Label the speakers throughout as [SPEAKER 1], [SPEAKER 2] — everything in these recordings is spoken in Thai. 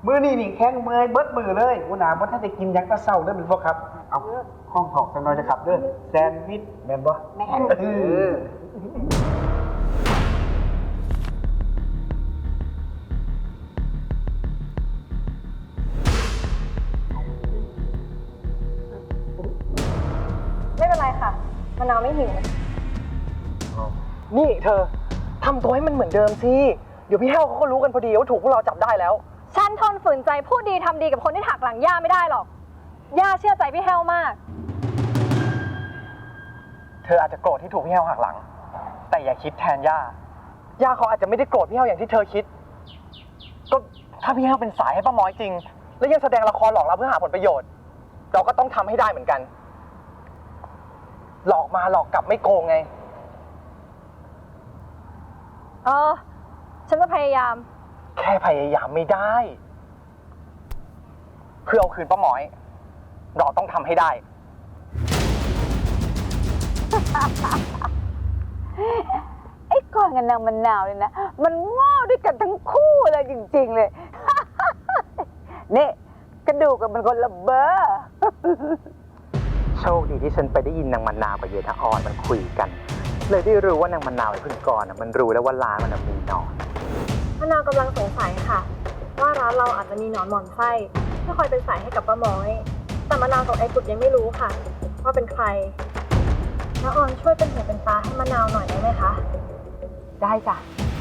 [SPEAKER 1] มือนี่แข้งเมื่อยเบิดมือเลยหัวหน้าบ่ทันได้กินยังตะเศร้าเด้อเป็นบ่ครับเอาห้องถอกจังหน่อยนะครับเด้อแซนด์วิชแม่นบ่แม่น
[SPEAKER 2] ไม่เป็นไรค่ะมะนาวไม่หิว
[SPEAKER 3] นี่เธอทำตัวให้มันเหมือนเดิมสิเดี๋ยวพี่แห้วเขาก็รู้กันพอดีว่าถูกพวกเราจับได้แล้ว
[SPEAKER 2] ฉันทนฝืนใจพูดดีทำดีกับคนที่หักหลังย่าไม่ได้หรอกย่าเชื่อใจพี่แห้วมาก
[SPEAKER 3] เธออาจจะโกรธที่ถูกพี่แห้วหักหลังแต่อย่าคิดแทนย่าเขาอาจจะไม่ได้โกรธพี่แห้วอย่างที่เธอคิดก็ถ้าพี่แห้วเป็นสายให้ป้าม้อยจริงแล้วยังแสดงละครหลอกเราเพื่อหาผลประโยชน์เราก็ต้องทำให้ได้เหมือนกันหลอกมาหลอกกลับไม่โกงไง
[SPEAKER 2] ฉันจะพยายาม
[SPEAKER 3] แค่พยายามไม่ได้เพื่อเอาคืนป้าม้อยเราต้องทำให้ได้
[SPEAKER 4] ไอ้ก้อนกับนางมะนาวเลยนะมันง้อด้วยกันทั้งคู่เลยจริงๆเลยนี่กระดูกกับมันคนละเบอร์
[SPEAKER 3] โชคดีที่ฉันไปได้ยินนางมะนาวกับเยนออนมันคุยกันเลยได้รู้ว่านางมะนาวไอ้พึ่งกรมันรู้แล้วว่าร้านมันมีหนอน
[SPEAKER 2] มะนาวกำลังสงสัยค่ะว่าร้านเราอาจจะมีหนอนหมอนไส้ที่คอยเป็นสายให้กับป้าม้อยแต่มะนาวกับไอ้กุดยังไม่รู้ค่ะว่าเป็นใครน้าออนช่วยเป็นหูเป็นตาให้มะนาวหน่อยได้ไหมคะ
[SPEAKER 4] ได้จ้ะ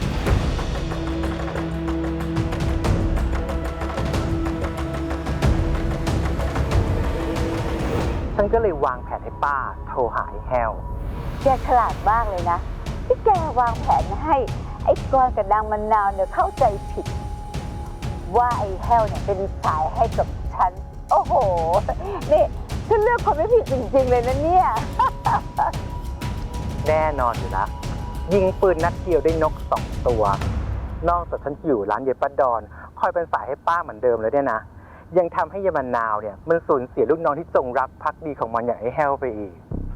[SPEAKER 3] ฉันก็เลยวางแผนให้ป้าโทรหาไอ้แฮว
[SPEAKER 4] แกฉลาดมากเลยนะที่แกวางแผนให้ไอ้ก้อนกับนางมะนาวเนี่ยเข้าใจผิดว่าไอ้แห้วเนี่ยเป็นสายให้กับฉันโอ้โหนี่ฉันเลือกคนไม่ผิดจริงๆเลยนะเนี่ย
[SPEAKER 3] แน่นอนอยู่แล้วยิงปืนนัดเดียวได้นก2 ตัวนอกจากฉันอยู่ร้านเยป้าดอนคอยเป็นสายให้ป้าเหมือนเดิมเลยเนี่ยนะยังทำให้ยมะนาวเนี่ยมันสูญเสียลูกน้องที่จงรักภักดีของมันอย่างไอ้แฮวไปอีก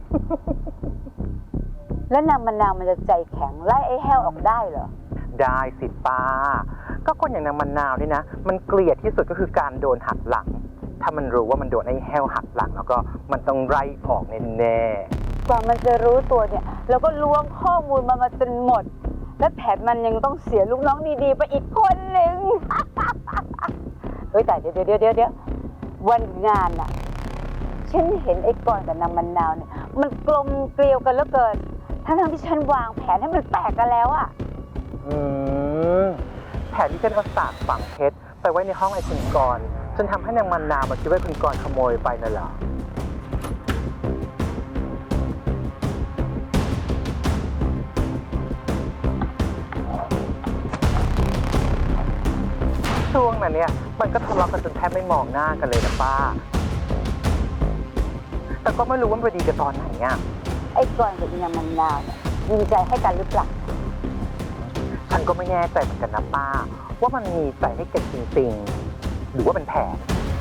[SPEAKER 4] แล้วนางมะนาวมันจะใจแข็งไล่ไอ้แห้วออกได้เหรอ
[SPEAKER 3] ได้สิป้าก็คนอย่างนางมะนาวนี่นะมันเกลียดที่สุดก็คือการโดนหักหลังถ้ามันรู้ว่ามันโดนไอ้แห้วหักหลังแล้วก็มันต้องไล่ออกแน่
[SPEAKER 4] ๆกว่ามันจะรู้ตัวเนี่ยเราก็ล้วงข้อมูลมาจนหมดและแถมมันยังต้องเสียลูกน้องดีๆไปอีกคนหนึ่ง เฮ้ยแต่เดี๋ยววันงานน่ะฉันเห็นไอ้กอนกับนางมะนาวเนี่ยมันกลมเกลียวกันเหลือเกินทั้งที่ฉันวางแผนให้มันแตกกันแล้วอะ
[SPEAKER 3] แผนที่ฉันเอาสากฝังเพชรไปไว้ในห้องไอ้คุณกรจนทำให้นางมะนาวมาคิดว่าคุณกรขโมยไปนั่นเหรอช่วงนั้นเนี่ยมันก็ทะเลาะกันจนแทบไม่มองหน้ากันเลยนะป้าแต่ก็ไม่รู้ว่ามันไปดีกันตอนไหนอ่ะ
[SPEAKER 4] ไอ้กอนกับนางมะนาวเนี่ยยิงใจให้กันหรือเปล่า
[SPEAKER 3] ฉันก็ไม่แน่ใจเหมือนกันนะป้าว่ามันมีใจให้กันจริงๆหรือว่าเป็นแผน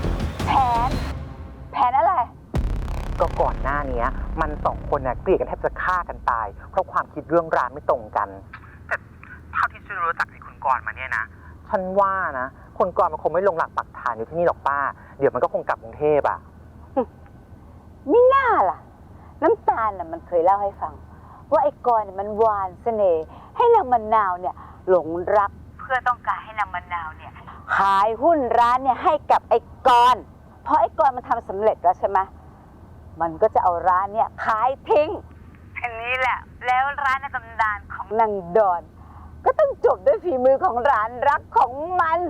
[SPEAKER 4] อะไร
[SPEAKER 3] ก็ก่อนหน้านี้มัน2 คนน่ะเกลียดกันแทบจะฆ่ากันตายเพราะความคิดเรื่องร้านไม่ตรงกันแต่เท่าที่ฉันรู้จักไอ้คุณกรมาเนี่ยนะฉันว่านะคนกรมันคงไม่ลงหลักปักฐานอยู่ที่นี่หรอกป้าเดี๋ยวมันก็คงกลับกรุงเทพอ่ะ
[SPEAKER 4] ไม่น่าล่ะน้ำตาลน่ะมันเคยเล่าให้ฟังว่าไอ้กรเนี่ยมันหวานเสน่ห์ให้นางมะนาวเนี่ยหลงรักเพื่อต้องการให้นางมะนาวเนี่ยขายหุ้นร้านเนี่ยให้กับไอ้กรเพราะไอ้กรมันทำสำเร็จแล้วใช่ไหมมันก็จะเอาร้านเนี่ยขายทิ้งอันนี้แหละแล้วร้านในตำนานของนางดอนก็ต้องจบด้วยฝีมือของร้านรักของมัน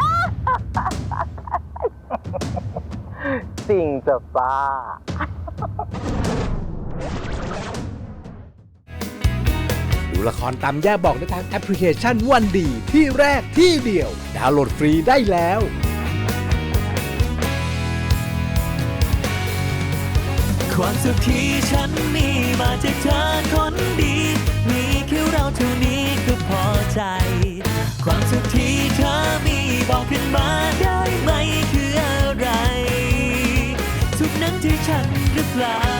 [SPEAKER 3] จริงจ้ะป้า
[SPEAKER 5] ดูละครตามย่าบอกได้ทางแอปพลิเคชันวันดีที่แรกที่เดียวดาวน์โหลดฟรีได้แล้ว
[SPEAKER 6] ความสุขที่ฉันมีมาจากเธอคนดีมีแค่เราเท่านี้ก็พอใจความสุขที่เธอมีบอกขึ้นมาได้ไหมคืออะไรสุขนั้นที่ฉันหรือเปล่า